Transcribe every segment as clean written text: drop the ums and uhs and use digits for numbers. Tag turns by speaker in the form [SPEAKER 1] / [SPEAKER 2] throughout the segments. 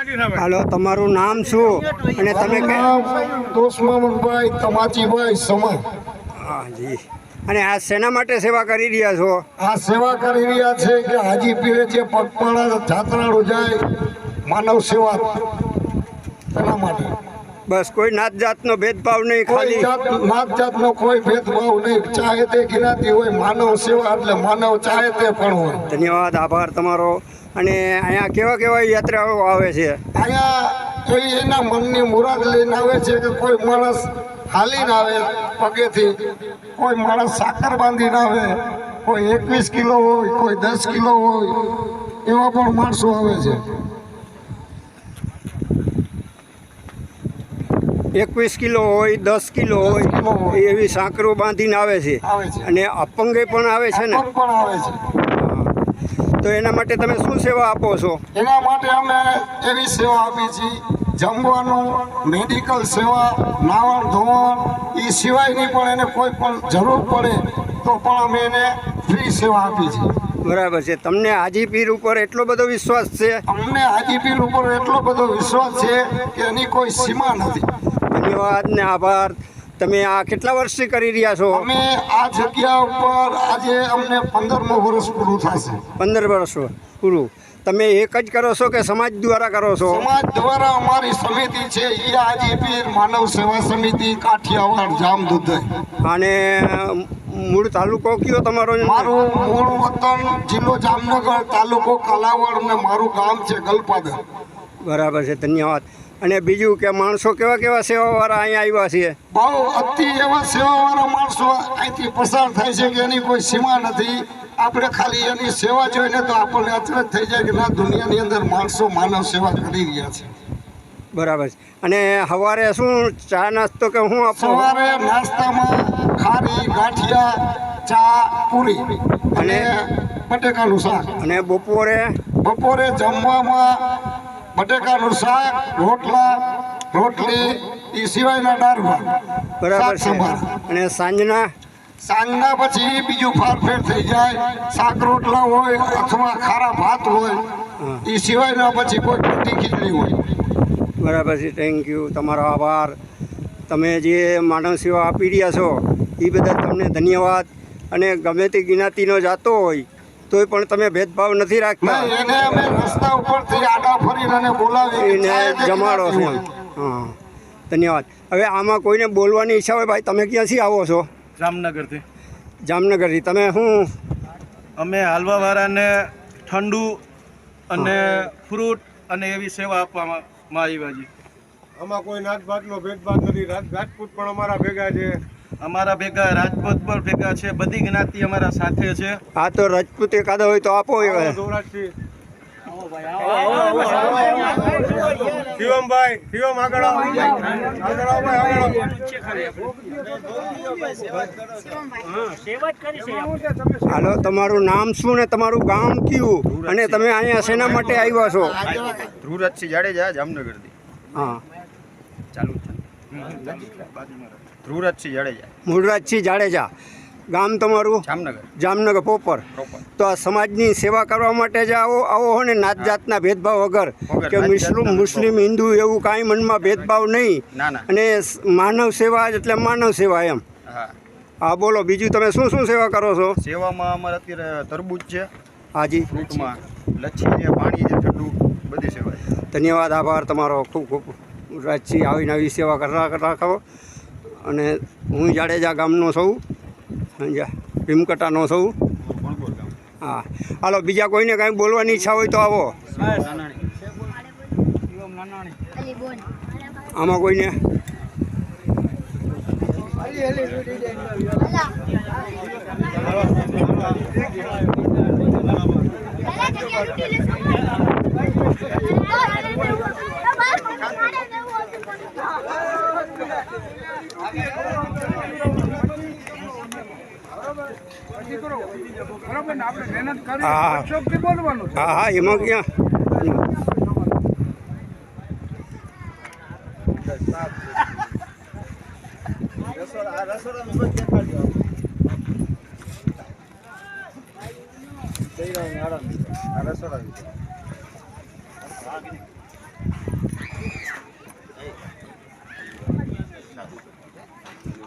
[SPEAKER 1] હાલો, તમારું નામ શું અને તમે
[SPEAKER 2] દોસ્મામભાઈ તમાચીભાઈ સમા.
[SPEAKER 1] હા જી. અને આ શેના માટે સેવા કરી રહ્યા છો?
[SPEAKER 2] આ સેવા કરી રહ્યા છે કે હાજી પીરે જે પગપાળા જાત્રાળુ જાય માનવ સેવા એના માટે.
[SPEAKER 1] બસ કોઈ નાત જાતનો ભેદભાવ નહીં, ખાલી
[SPEAKER 2] નાત જાતનો કોઈ ભેદભાવ નહીં. ચાહે તે જ્ઞાતિ હોય, માનવ સેવા એટલે માનવ ચાહે તે પણ હોય.
[SPEAKER 1] ધન્યવાદ, આભાર તમારો. અને અહીંયા કેવા કેવા યાત્રાઓ આવે છે?
[SPEAKER 2] અહીંયા કોઈ એના મનની મુરાદ લઈને આવે છે કે કોઈ માણસ હાલીને આવે પગેથી, કોઈ માણસ સાકર બાંધીને આવે, કોઈ 21 કિલો હોય, કોઈ 10 કિલો હોય, એવા પણ માણસો આવે છે.
[SPEAKER 1] 21 કિલો હોય, 10 કિલો હોય, એવી સાંકરો બાંધીને આવે છે. અને અપંગે પણ આવે છે ને?
[SPEAKER 2] પણ આવે છે.
[SPEAKER 1] તો એના માટે તમે શું સેવા આપો છો?
[SPEAKER 2] એના માટે અમે એવી સેવા આપી છીએ, જમવાનું, મેડિકલ સેવા, નાવણ ધોવણ, એ સિવાયની પણ એને કોઈ પણ જરૂર પડે તો પણ અમે એને ફ્રી સેવા આપી છીએ.
[SPEAKER 1] બરાબર છે. તમને હાજી પીર ઉપર એટલો બધો વિશ્વાસ છે?
[SPEAKER 2] અમને હાજી પીર ઉપર એટલો બધો વિશ્વાસ છે કે એની કોઈ સીમા નથી.
[SPEAKER 1] ધન્યવાદ ને આભાર. તમે આ કેટલા વર્ષથી કરી રહ્યા છો?
[SPEAKER 2] અમે આ જગ્યા ઉપર આજે અમને 15મું વર્ષ પૂરું થશે.
[SPEAKER 1] 15 વર્ષ પૂરું. તમે એક જ કરો છો કે સમાજ દ્વારા કરો છો?
[SPEAKER 2] સમાજ દ્વારા અમારી સમિતિ છે, એ હાજી પીર માનવ સેવા સમિતિ કાઠિયાવાડ જામદુધઈ.
[SPEAKER 1] અને મૂળ તાલુકો કયો તમારો?
[SPEAKER 2] મારું મૂળ વતન જિલ્લો જામનગર, તાલુકો કાલાવડ અને મારું ગામ છે ગલપાદર.
[SPEAKER 1] બરાબર છે, ધન્યવાદ. અને બીજું કે માણસો કેવા કેવા સેવાવાળા અહીંયા આવ્યા છે?
[SPEAKER 2] બહુ અતિ એવા સેવાવાળા માણસો અહીંથી પસાર થાય છે કે એની કોઈ સીમા નથી. આપણે ખાલી એની સેવા જોઈને તો આપણને અચરજ થઈ જાય કે ના, દુનિયાની અંદર માણસો માનવ સેવા કરી રહ્યા છે.
[SPEAKER 1] બરાબર છે. અને સવારે શું ચા નાસ્તો કે શું આપો?
[SPEAKER 2] સવારે નાસ્તામાં ખારી, ગાંઠિયા, ચા, પૂરી અને બટેકાનું શાક.
[SPEAKER 1] અને
[SPEAKER 2] બપોરે જમવામાં બટેકાનું શાક, રોટલા, રોટલી, એ સિવાયના દાળ ભાત.
[SPEAKER 1] બરાબર છે. અને
[SPEAKER 2] સાંજના પછી બીજું ફારફેર થઈ જાય, શાક રોટલા હોય અથવા ખારા ભાત હોય, એ સિવાયના પછી કોઈ કઢી ખીચડી હોય.
[SPEAKER 1] બરાબર છે. થેન્ક યુ, તમારો આભાર. તમે જે માનવ સેવા આપી રહ્યા છો એ બદલ તમને ધન્યવાદ. અને ગમે તે જ્ઞાતિનો જાતો હોય તોય પણ તમે ભેદભાવ નથી રાખતા.
[SPEAKER 2] એને અમે રસ્તા ઉપરથી આડા ફરીને એને બોલાવીને
[SPEAKER 1] જમાડો છો. હા, ધન્યવાદ. હવે આમાં કોઈને બોલવાની ઈચ્છા હોય, ભાઈ તમે ક્યાંથી આવો છો?
[SPEAKER 3] જામનગરથી.
[SPEAKER 1] જામનગરથી. તમે શું?
[SPEAKER 3] અમે હાલવાવાળાને ઠંડુ અને ફ્રૂટ અને એવી સેવા આપવામાં આવ્યા છે.
[SPEAKER 4] આમાં કોઈ નાતભાતનો ભેદભાવ નથી. રાજપૂત પણ અમારા ભેગા છે.
[SPEAKER 3] અમારા ભેગા રાજપૂત પણ ભેગા છે. બધી જ્ઞાતિ અમારા સાથે છે.
[SPEAKER 1] હા, તો રાજપૂત એકાદો હોય તો આપો.
[SPEAKER 4] શિવમભાઈ, શિવમ આગળ આવો.
[SPEAKER 1] હાલો, તમારું નામ શું ને તમારું ગામ કયું અને તમે અહીંયા શેના માટે આવ્યા છો?
[SPEAKER 5] ધ્રુવરાજસિંહ જાડેજા, જામનગરથી.
[SPEAKER 1] હા,
[SPEAKER 5] ચાલુ છે. ધ્રુવરાજસિંહ જાડેજા.
[SPEAKER 1] મૂળરાજસિંહ જાડેજા. ગામ તમારું? જામનગર પ્રોપર. તો આ સમાજની સેવા કરવા માટે જ આવો હો ને, નાત જાતના ભેદભાવ વગર કે મુસ્લિમ હિન્દુ એવું કાંઈ મનમાં ભેદભાવ નહીં. અને માનવ સેવા એટલે માનવ સેવા એમ. હા, બોલો બીજું તમે શું શું સેવા કરો છો?
[SPEAKER 5] સેવામાં અમારે અત્યારે તરબૂચ છે.
[SPEAKER 1] હાજી.
[SPEAKER 5] ફ્રૂટમાં લચ્છી છે, પાણી છે, ઠંડુ, બધી સેવા છે.
[SPEAKER 1] ધન્યવાદ, આભાર તમારો ખૂબ ખૂબ. રાજસિંહ આવીને આવી સેવા રાખો. અને હું જાડેજા ગામનો છું, ભીમકટાનો છું. હા, હાલો, બીજા કોઈને કાંઈ બોલવાની ઈચ્છા હોય તો આવો. આમાં કોઈને? હા, એમાં ક્યાં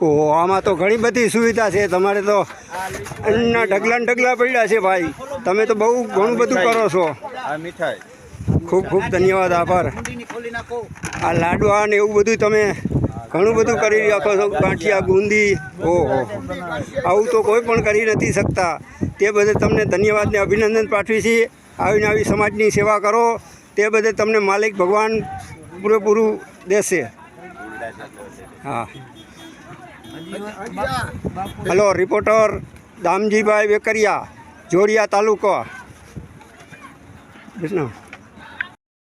[SPEAKER 1] ઓહો, આમાં તો ઘણી બધી સુવિધા છે. તમારે તો અન્નના ઢગલા ને ઢગલા પડ્યા છે ભાઈ. તમે તો બહુ ઘણું બધું કરો છો.
[SPEAKER 5] આ મીઠાઈ
[SPEAKER 1] ખૂબ ખૂબ ધન્યવાદ, આભાર. આ લાડવા ને એવું બધું તમે ઘણું બધું કરી રાખો છો. ગાંઠિયા, બુંદી, ઓહો, આવું તો કોઈ પણ કરી નથી શકતા. તે બદલ તમને ધન્યવાદ ને અભિનંદન પાઠવી છીએ. આવીને આવી સમાજની સેવા કરો તે બદલ તમને માલિક ભગવાન પૂરેપૂરું દેશે. હા, હલો, રિપોર્ટર દામજીભાઈ વેકરિયા, જોડિયા તાલુકો. કૃષ્ણ.